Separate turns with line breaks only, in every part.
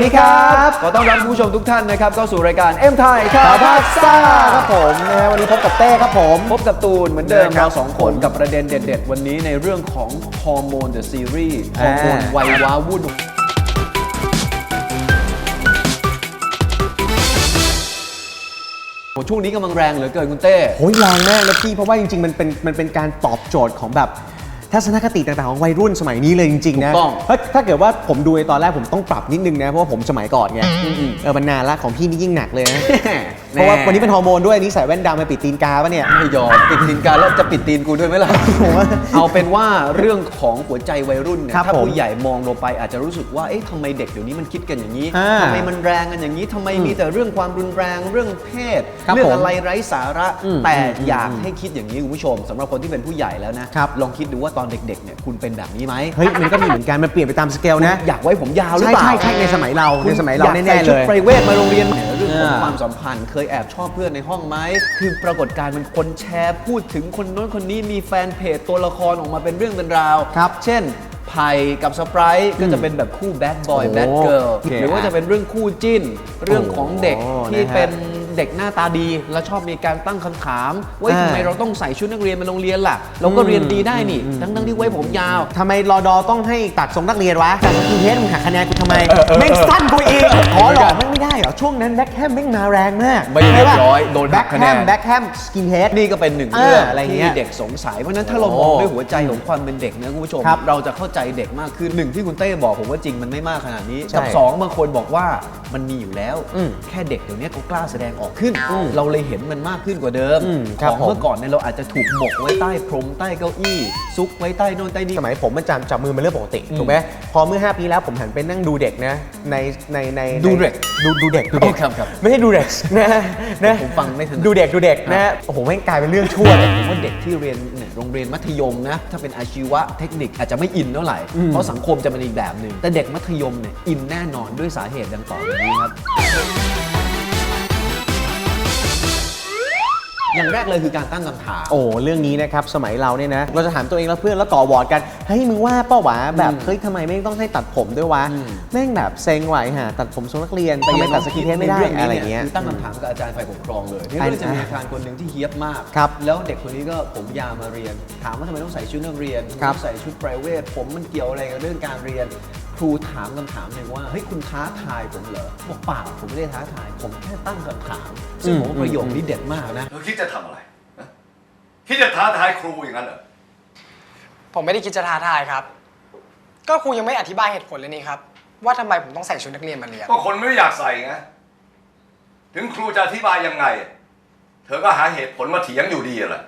ดีครับขอต้อนรับคุณผู้ชมทุกท่านนะครับเข้าสู่รายการเอ็มไทยข่าวภาคซ่าครับผมนะฮะวันนี้พบกับเต้ครับผมพบกับตูนเหมือนเดิมเราสองคนกับประเด็นเด็ดๆวันนี้ในเรื่องของฮอร์โมนเดอะซีรีส์ฮอร์โมนวัยว้าวุ่นช่วงนี้กำลังแรงเหลือเกินคุณเต้
โหแรงมากนะพี่เพราะว่าจริงๆมันเป็นการตอบโจทย์ของแบบทัศนคติต่างๆของวัยรุ่นสมัยนี้เลยจริงๆนะถ้าเกิดว่าผมดูในตอนแรกผมต้องปรับนิดนึงนะเพราะว่าผมสมัยก่อนไงมันนานละของพี่นี่ยิ่งหนักเลยนะเพราะว่าวันนี้เป็นฮอร์โมนด้วยนี่ใส่แว่นดำมาปิดตีนกาปะเนี่ย
ไม่ยอมปิดตีนกาแล้วจะปิดตีนกูด้วยไหมล่ะเอาเป็นว่าเรื่องของหัวใจวัยรุ่นเนี่ยถ้าผู้ใหญ่มองลงไปอาจจะรู้สึกว่าเอ๊ะทำไมเด็กเดี๋ยวนี้มันคิดกันอย่างนี้ทำไมมันแรงกันอย่างนี้ทำไมมีแต่เรื่องความรุนแรงเรื่องเพศเรื่องอะไรไร้สาระแต่อยากให้คิดอย่างนี้คุณผู้ชมสำหรับคนที่เป็นผู้ใหญ่แล้วนะลองคิดดูว่าตอนเด็กๆเนี่ยคุณเป็นแบบนี้ไหม
เฮ้ยมันก็มีเหมือนกันมันเปลี่ยนไปตามสเกลนะ
อยากไว้ผมยาวหรือเปล่า
ใช่ในสมัยเราแน่ๆเลย
ชุดไพรเวทมาโรงเรียนเรื่องของความสัมพันธ์เคยแอบชอบเพื่อนในห้องไหมคือปรากฏการณ์มันคนแชร์พูดถึงคนโน้นคนนี้มีแฟนเพจตัวละครออกมาเป็นเรื่องเป็นราวเช่นไผ่กับสไปร์ก็จะเป็นแบบคู่แบดบอยแบดเกิร์ลหรือว่าจะเป็นเรื่องคู่จิ้นเรื่องของเด็กที่เป็นเด็กหน้าตาดีแล้วชอบมีการตั้งคำถามว่าทำไมเราต้องใส่ชุดนักเรียนมาโรงเรียนล่ะเราก็เรียนดีได้นี่ทั้งที่ไว้ผมยาว
ทำไมรอดอต้องให้ตัดทรงนักเรียนวะแต่สกินเฮดมึงหักคะแนนกูทำไมแม่งสั้นกูเองขอหลอกไม่ได้เหรอช่วงนั้นแบ็คแฮมแม่งมาแรงมาก
ไม่เรียบร้อยโดนหักคะแนน
แบ็คแฮมสกินเฮด
นี่ก็เป็นหนึ่งเรื่องที่เด็กสงสัยเพราะนั้นถ้าเรามองด้วยหัวใจของความเป็นเด็กนะคุณผู้ชมเราจะเข้าใจเด็กมากขึ้นหนึ่งที่คุณเต้บอกผมว่าจริงมันไม่มากขนาดนี้กับสองบางคนบอกว่ามันมีอยู่แล้วแค่เด็กเดี๋ยวนี้เขากล้าแสดงออกขึ้นเราเลยเห็นมันมากขึ้นกว่าเดิมของเมื่อก่อนเนี่ยเราอาจจะถูกหมกไว้ใต้พรมใต้เก้าอี้ซุกไว้ใต้โน่นใต้นี่
สมัยผมมันจับมือเป็นเรื่องปกติถูกไหมพอเมื่อ5 ปีแล้วผมหันไปนั่งดูเด็กนะใน
ดูเด็ก
ครับไม่ใช่ดูเด็กนะ
ผมฟังไม่ทัน
ดูเด็กนะโอ้โหไม่กลายเป็นเรื่องชั่วเลย
ผมว่าเด็กที่เรียนโรงเรียนมัธยมนะถ้าเป็นอาชีวะเทคนิคอาจจะไม่อินเท่าไหร่เพราะสังคมจะเป็นอีกแบบหนึ่งแต่เด็กมัธยมเนี่ยอินแน่นอนด้วยสาเหตุดังต่อไปนี้ครับอย่างแรกเลยคือการตั้งคำถาม
เรื่องนี้นะครับสมัยเราเนี่ยนะเราจะถามตัวเองแล้วเพื่อนแล้วก่อวอร์ดกันเฮ้ยมึงว่าเป้าวะแบบเฮ้ยทำไมไม่ต้องให้ตัดผมด้วยวะแม่งแบบเซ็งไหวฮะตัดผมทรงนักเรียนแต่ยังตัดสกินเฮดไม่ได้อะไรเงี้ย
ตั้งคำถามกับอาจารย์ฝ่ายปกครองเลยที่ก็จะมีอาจารย์คนหนึ่งที่เฮี้ยบมากแล้วเด็กคนนี้ก็ผมยาวมาเรียนถามว่าทำไมต้องใส่ชุดนักเรียนใส่ชุดไพรเวทผมมันเกี่ยวอะไรกับเรื่องการเรียนครูถามคำถามหนึ่งว่าเฮ้ยคุณท้าทายผมเหรอบอกเปล่าผมไม่ได้ท้าทายผมแค่ตั้งคำถามซึ่งผมว่าประโยคนี้เด็ดมากนะ
เธอคิดจะทำอะไรคิดจะท้าทายครูอย่างนั้นเหรอ
ผมไม่ได้คิดจะท้าทายครับก็ครูยังไม่อธิบายเหตุผลเลยนี่ครับว่าทำไมผมต้องใส่ชุดนักเรียนมาเรียน
ก็คนไม่อยากใส่ไงถึงครูจะอธิบายยังไงเธอก็หาเหตุผลมาเถียงอยู่ดีแหละ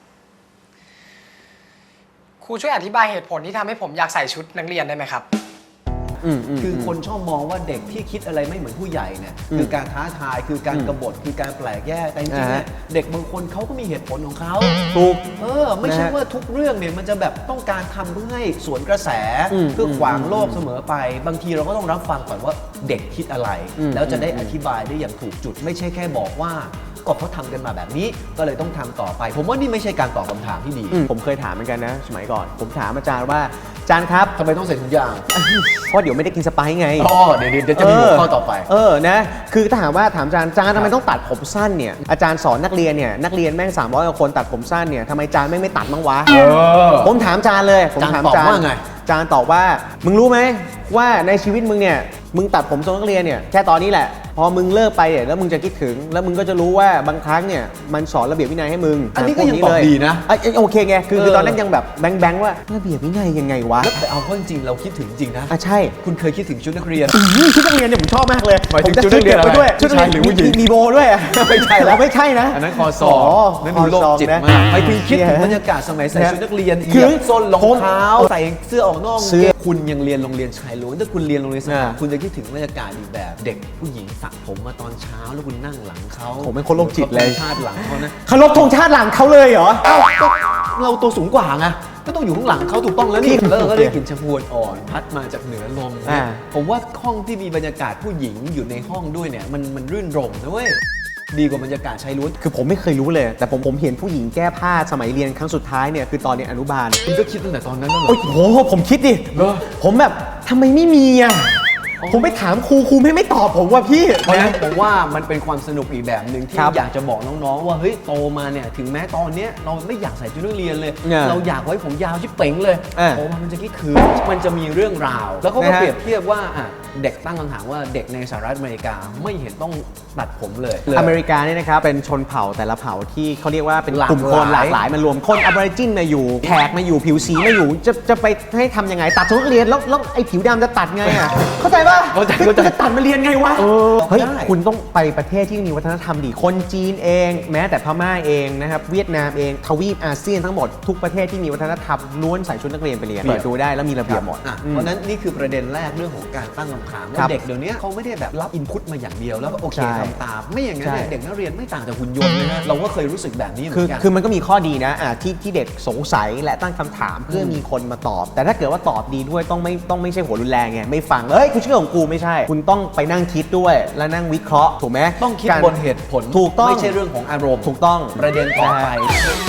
ครูช่วยอธิบายเหตุผลที่ทำให้ผมอยากใส่ชุดนักเรียนได้ไหมครับ
คือคนชอบมองว่าเด็กที่คิดอะไรไม่เหมือนผู้ใหญ่เนี่ยคือการท้าทายคือการกบฏคือการแปลกแยกแต่จริงๆเด็กบางคนเขาก็มีเหตุผลของเขา
ถูก
ไม่ใช่ว่าทุกเรื่องเนี่ยมันจะแบบต้องการทำเพื่อให้สวนกระแสเพื่อขวางโลกเสมอไปบางทีเราก็ต้องรับฟังก่อนว่าเด็กคิดอะไรแล้วจะได้อธิบายได้อย่างถูกจุดไม่ใช่แค่บอกว่าก็เขาทำกันมาแบบนี้ก็เลยต้องทำต่อไปผมว่านี่ไม่ใช่การตอบคำถามที่ดี
ผมเคยถามเหมือนกันนะสมัยก่อนผมถามอาจารย์ว่าอาจารย์ครับ
ทำไมต้องใส่ถุงยาง
เพราะเดี๋ยวไม่ได้กินสไปซ์ไง
เดี๋ยวจะมีหัวข้อต่อไป
นะคือถ้าถามอาจารย์ทำไมต้องตัดผมสั้นเนี่ยอาจารย์สอนนักเรียนเนี่ยนักเรียนแม่ง300 กว่าคนตัดผมสั้นเนี่ยทำไมอาจารย์ไม่ตัดบ้างวะผมถามอาจารย์เลยผมถามอาจารย์
ว่าไง
อาจารย์ตอบว่ามึงรู้ไหมว่าในชีวิตมึงเนี่ยมึงตัดผมทรงนักเรียนเนี่ยแค่ตอนนี้แหละพอมึงเลิกไปเนี่ยแล้วมึงจะคิดถึงแล้วมึงก็จะรู้ว่าบางครั้งเนี่ยมันสอนระเบียบวินัยให้มึง
อันนี้ก็ยังตอบดีนะ
โอเคไงคือตอนนั้นยังแบบแบงว่าระเบียบวินัยยังไงวะ
แต่เอาเข้าจริงเราคิดถึงจริงนะ
ใช่
คุณเคยคิดถึงชุดนักเรียน
ชุดนักเรียนเนี่ยผมชอบมากเลย
ผมจะชุดนักเรียนไปด้วย
ชุดนักเรียนหรือผู้หญิงมีโบด้วยไม่ใช่แล้วไม่ใช่นะ
อันนั้นคอซอนั่นดูโลกจิตมากไปถึงคิดถึงบรรยากาศสมัยใส่ชุดนักเรียนเหยียบส้นรองเท้าใส่เสื้อออกนอกคุณยังเรียนโรงเรียนชายล้วนถ้าคุณเรียนโรงเรียนสถาคุณจะคิดถึงบรรยากาศอีกแบบเด็กผู้หญิงสระผมมาตอนเช้าแล้วคุณนั่งหลังเขา
ผมเป็นคนโรคจิตเลย
ชาติหลังเขานะ
เคารพธงชาติหลังเขาเลยเหรอ
เราตัวสูงกว่าไงก็ต้องอยู่ข้างหลังเขาถูกต้องแล้วนี่แล้วก็ได้กลิ่นชะพวนอ่อนพัดมาจากเหนือลมผมว่าห้องที่มีบรรยากาศผู้หญิงอยู่ในห้องด้วยเนี่ยมันรื่นรมนะเว้ยดีกว่าบรรยากาศชายล้วน
คือผมไม่เคยรู้เลยแต่ผมเห็นผู้หญิงแก้ผ้าสมัยเรียนครั้งสุดท้ายเนี่ยคือตอนเรียนอนุบาล
คุณก็คิดตั้งแต่ตอนนั้นแล้วเหรอ
โอ้โหผมคิดดิผมแบบทำไมไม่มีอ่ะผมไปถามครูไม่ตอบผมว่าพี่
เพราะฉะนั้นผมว่ามันเป็นความสนุกอีกแบบหนึ่งที่
ครับ
อยากจะบอกน้องๆว่าเฮ้ยโตมาเนี่ยถึงแม้ตอนเนี้ยเราไม่อยากใส่ชุดนักเรียนเลย
เนี่ย
เราอยากไว้ผมยาวชิบเป๋งเลย โตมามันจะคิดคือมันจะมีเรื่องราว แล้วเขาก็
นะฮะ
เปรียบเทียบว่าเด็กตั้งคำถามว่าเด็กในสหรัฐอเมริกาไม่เห็นต้องตัดผมเลย
อเมริกาเนี่ยนะครับเป็นชนเผ่าแต่ละเผ่าที่เขาเรียกว่าเป็น
หลาก
กลุ่มคน
หลาย
หลากหลายมารวมคนอบอริจินมาอยู่แขกมาอยู่ผิวสีมาอยู่จะไปให้ทำยังไงตัดชุดนักเรียนแล้วไอ้ผิวดำจะตัดไงอ่ะ เข้าใจป่ะ
เข้าใจ
จะตัดมาเรียนไงวะเฮ้ย
ได้
คุณต้องไปประเทศที่มีวัฒนธรรมดีคนจีนเอง แม้แต่พม่าเองนะครับเวียดนามเองทวีปอาเซียนทั้งหมดทุกประเทศที่มีวัฒนธรรมล้วนใส่ชุดนักเรียนไปเรียนเปิดดูได้แล้วมีระเบียบหมด
เพราะฉะนั้นนี่คือประเด็นแรกเรื่องของการตั้งคำถาม
ครั
ว่า
บ
เด็กเดี๋ยวนี้เขาไม่ได้แบบรับอินพุตมาอย่างเดียวแล้วก็โอเค
ใช่
ทำตามไม่อย่างนั้นเนี่ย
ใช่
เด็กนักเรียนไม่ต่างจากหุ่นยนต์นะฮะเราก็เคยรู้สึกแบบนี้เหมื
คือ
อนกัน
คือมันก็มีข้อดีนะที่เด็กสงสัยและตั้งคำถามเพื่อมีคนมาตอบ แต่ถ้าเกิดว่าตอบดีด้วยต้องไม่ใช่หัวรุนแรงไงไม่ฟังเอ้ยกูเชื่อของกูไม่ใช่ คุณต้องไปนั่งคิดด้วยแล้วนั่งวิเคราะห์ถูกไหม
ต้องคิด
การ
บนเหตุผล
ถูกต้อง
ไม่ใช่เรื่องของอารมณ์
ถูกต้อง
ประเด็นต่อไป
นะฮะ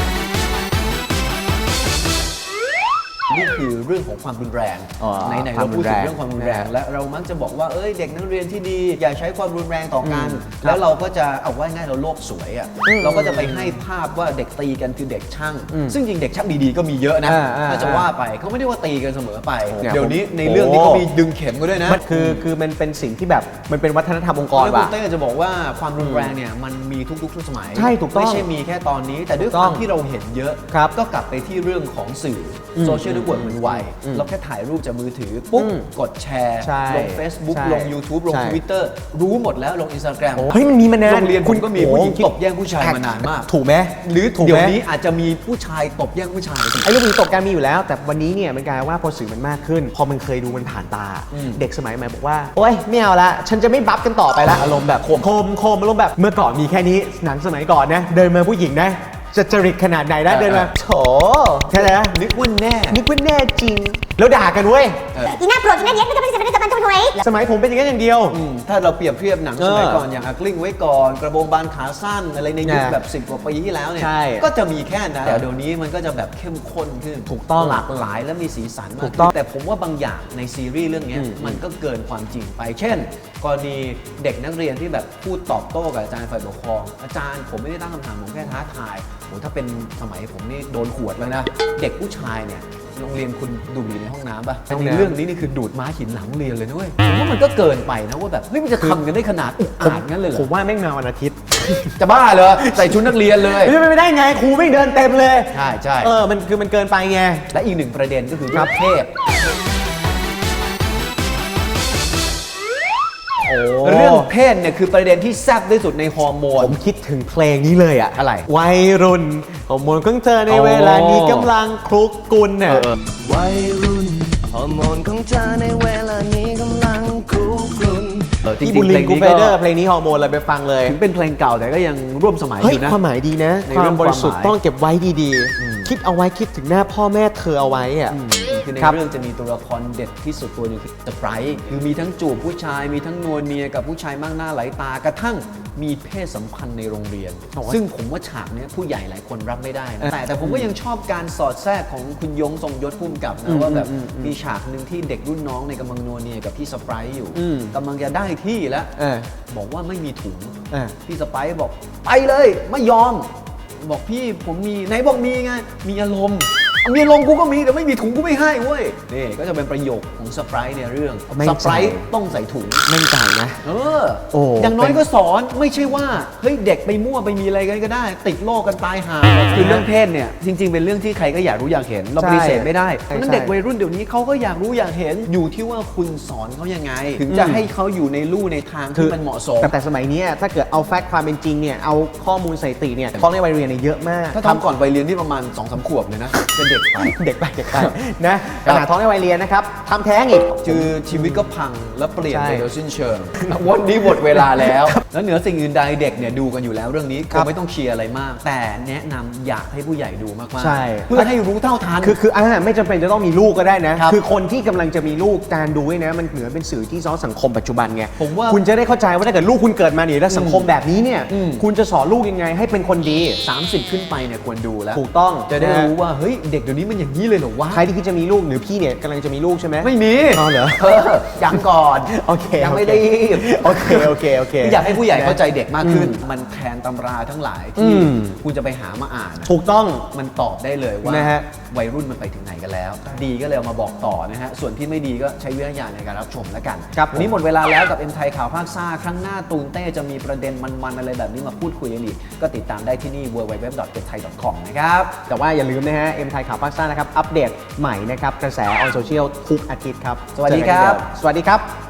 นี่คือเรื่องของความรุนแรง
อ๋อ
ไหนๆ
ควา
เรา
ม
พูดถึง
รุนแรง
เรื่องความรุนแรง และเรามักจะบอกว่าเอ้ยเด็กนักเรียนที่ดีอย่าใช้ความรุนแรงต่อกัน
ครับ
แล้วเราก็จะเอาไว้ง่ายเราโลกสวยอ่ะเราก็จะไปให้ภาพว่าเด็กตีกันคือเด็กช่าง ซึ่งจริงเด็กช่างดีๆก็มีเยอะนะ ถ้าจะว่าไปเขาไม่ได้ว่าตีกันเสมอไป
เนี่ย
เดี๋ยวนี้ในเรื่องนี้
โอ้
เขามีดึงเข็มกันด้วยนะ
มันคือมันเป็นสิ่งที่แบบมันเป็นวัฒนธรรมองค์กร
แล้วคุ
ว่ะ
ณเต้จะบอกว่าความรุนแรงเนี่ยมันมีทุกๆสมัย
ใช่ถูกต้อง
ไม่ใช่มีแค่ตอนนี้ แต่ด้วย
ถูก
ค
ต้
วา
อง
มที่เราเห็นเยอะ
ครับ
ก็กลับไปที่เรื่องของสื่ออโซเชียลเน็ตเวิร์กมันไวเราแค่ถ่ายรูปจากมือถือปุ๊บกดแชร์
ใช่
ลง Facebook
ใช่
ลง YouTube ลง
ใช่
Twitter รู้หมดแล้วลง Instagram
เฮ้ยมันมีมานาน
โรงเรียนคุณก็มีผู้หญิง
โอ้
ตบแย่งผู้ชายมานานมาก
ถูกไหม
หรือ
ถูก
เดี๋
ไห
ย
ม
วนี้อาจจะมีผู้ชายตบแย่งผู้ชาย
ไอ้เรื่องนี้ตกการมีอยู่แล้ว แต่วันนี้เนี่ยมันกลายว่าพอสื่อมันมากขึ้น พอมันเคยดูมันผ่านตา เด็กสมัยใหม่บอกว่า โอ๊ยไม่เอาละฉันจะไม่บัฟกันต่อไปละอารมณ์แบบโคมอารมณ์แบบเมื่อก่อนมีแค่นี้หนังสมัยก่อนนะเดินมาผู้หญิงนะจะจริตขนาดไหนนะเดินมาโถแค่นั้น
นึกว่าแน่
นึกว่าแน่จริง แล้วด่ากันเว้ย
อีน่าโกรธอีน่าเย็ดไม่ต้องไปจะมันทำไม
สมัยผมเป็นอย่างนั้นอย่างเดียว
ถ้าเราเปรียบเทียบหนังสมัย
เออ
ก่อนอย่างกลิ้งไว้ก่อนกระโปรงบานขาสั้นอะไรในยุค
เนี่ย
แบบ10 กว่าปีที่แล้วเนี่ย
ใช่
ก็จะมีแค่นั้นแต่เดี๋ยวนี้มันก็จะแบบเข้มข้นขึ้น
ถูกต้อง
หลากหลายและมีสีสันมาก
ถูกต้อง
ขึ้นแต่ผมว่าบางอย่างในซีรีส์เรื่องเนี้ยมันก็เกินความจริงไป เช่น กรณีเด็กนักเรียนที่แบบพูดตอบโต้กับอาจารย์ฝ่ายปกครองอาจารย์ผมไม่ได้ตั้งคำถามผมแค่ท้าทายโหถ้าเป็นสมัยผมนี่โดนขวดแล้วนะเด็กผู้ชายเนี่ยโรงเรียนคุณดูดบุหรี่ในห้องน้ำป่ะแต่ในเรื่องนี้นี่คือดูดม้าหินหลังเรียนเลยนะเว้ยผมว่ามันก็เกินไปนะว่าแบบเฮ้ยมันจะทำกันได้ขนาดอุกอาจงั้นเลยเหร
ผ
อ
มว่าแม่งมาวันอาทิตย์
จะบ้าเหรอใส่ชุดนักเรียนเลย
ไม่ได้ไงครูไม่งเดินเต็มเลย
ใช่ใช่
มันเกินไปไง
และอีกหนึ่งประเด็นก็คือเรื่องเพศเรื่องเพศเนี่ยคือประเด็นที่แซ่บที่สุดในฮอร์โมน
ผมคิดถึงเพลงนี้เลยอะ
อะไร
วัยรุ่นฮอร์โมนของเธอในเวลานี้กำลังคลุกกลุ่นเนี่ย
วัยรุ่นฮอร์โมนของเธอในเวลานี้กำลังคุกรุ่น
จริ
ที่
ง
บุ
ๆ
ลิ
เพล
ง
ง
กู
นี้
เฟ
ก็
เดอร์เพลงนี้ฮอร์โมนเลยไปฟังเลย
ถึงเป็นเพลงเก่าแต่ก็ยังร่วมสมัยอ
เฮ้ย
ยู่นะ
ความหมายดีนะ
ใน
ควา
เรื่
ม
อง
บริสุทธิ์
ความหมาย
ต้องเก็บไว้ดีๆ คิดเอาไว้คิดถึงหน้าพ่อแม่เธอเอาไว้อะ
คือใน
ครับ
เรื่องจะมีตัวละครเด็ดที่สุดตัวหนึงคือสไปรท์คือมีทั้งจูบผู้ชายมีทั้งนวลเนียกับผู้ชายมากหน้าหลายตากระทั่งมีเพศสัมพันธ์ในโรงเรียน ซึ่งผมว่าฉากเนี้ยผู้ใหญ่หลายคนรับไม่ได้นะแต่ผมก็ยังชอบการสอดแทรกของคุณยงทรงยศพุ่มกับนะว่าแบบมีฉากหนึ่งที่เด็กรุ่นน้องในยกำลังนวลเนียกับพี่สไปรท์อยู่กำลังจะได้ที่แล้ว
เออ
บอกว่าไม่มีถุง
เออ
พี่สไปร์บอกไปเลยไม่ยอม บอกพี่ผมมีไหนบอกมีไงมีอารมณ์เอามีอารมณ์กูก็มีแต่ไม่มีถุงกูไม่ให้เว้ยนี่ก็จะเป็นประโยคของสไปร์ในเรื่อง
ไม่
ส
ใจ
ไปร์ต้องใส่ถุง
มั่นใจนะ
เออ
โอ้
อย่างน้อย
เป็น
ก็สอนไม่ใช่ว่าเฮ้ยเด็กไปมั่วไปมีอะไรกันก็ได้ ติดโรคกันตายหาคือเรื่องเพศเนี่ยจริง ๆ เป็นเรื่องที่ใครก็อยากรู้อยากเห็นเราปฏิเสธไม่ได้เพราะฉะนั้นเด็กวัยรุ่นเดี๋ยวนี้เขาก็อยากรู้อยากเห็นอยู่ที่ว่าคุณสอนเขายังไง ถึงจะให้เขาอยู่ในลู่ในทางที่มันเหมาะสม
แต่สมัยนี้ถ้าเกิดเอาแฟกต์ความเป็นจริงเนี่ยเอาข้อมูลสถิติเนี่ยฟ้องในวัยเรียนเนี่ยเยอะมาก
ถ้าทำก่อนไปเรียนที่ประมาณ 2-3 ขวบเลยนะจะเด็กไป
เด็กไปนะขนาดท้องในวัยเรียนนะครับทำแท้งอีก
คือชีวิตก็พังและเปลี่ยน
ใช่
ไปโดยสิ้นเชิง วันนี้หมดเวลาแล้ว แล้วเหนือสิ่งอื่นใดเด็กเนี่ยดูกันอยู่แล้วเรื่องนี้คงไม่ต้องเชียร์อะไรมาก แต่แนะนำอยากให้ผู้ใหญ่ดูมากๆ
ใช่
เพื่อให้รู้เท่าทัน
คือไม่จำเป็นจะต้องมีลูกก็ได้นะ คือคนที่กำลังจะมีลูกการดูเนี่ยนะมันเหมือนเป็นสื่อที่ซ้อนสังคมปัจจุบันไง
ผมว่า
คุณจะได้เข้าใจว่าถ้าเกิดลูกคุณเกิดมาเนี่ยแล้วสังคมแบบนี้เนี่ยคุณจะสอนลูกยังไงให้เป็นคนดี
30 ขึ้นไปเนี่ยควรดูแล้ว
ถูกต้อง
จะได้รู้ว่าเฮ้ยเเดี๋ยวนี้มันอย่างนี้เลยเหรอวะ
ใครที่คิดจะมีลูกหรือพี่เนี่ยกำลังจะมีลูกใช่ไหม
ไม่มี
อ๋อเหรอ
ยังก่อน
โอเค
ยังไม่ได้รีบ
โอเค
อยากให้ผู้ใหญ่เข้าใจเด็กมากขึ้น มันแทนตำราทั้งหลายที่
อืม
คุณจะไปหามาอ่านอะ
ถูกต้อง
มันตอบได้เลยว่า
นะฮะ
วัยรุ่นมันไปถึงไหนกันแล้ว ดีก็เลยเอามาบอกต่อนะฮะ ส่วนที่ไม่ดีก็ใช้วิจารณญาณในการรับชมแล้วกัน
ครับ
วันนี้หมดเวลาแล้วกับ M ไทยข่าวภาคซ่า ครั้งหน้าตูนเต้จะมีประเด็นมันๆอะไรแบบนี้มาพูดคุยกันอีกก็ติดตามได้ที่นี่ www.mthai.com นะครับ
แต่ว่าอย่าลืมนะฮะ M ไทยข่าวภาคซ่านะครับ อัปเดตใหม่นะครับ กระแสออนโซเชียลทุกอาทิตย์ครับ
สวัสดีครับ
เจอกันเหมือนเดิมสวัสดีครับ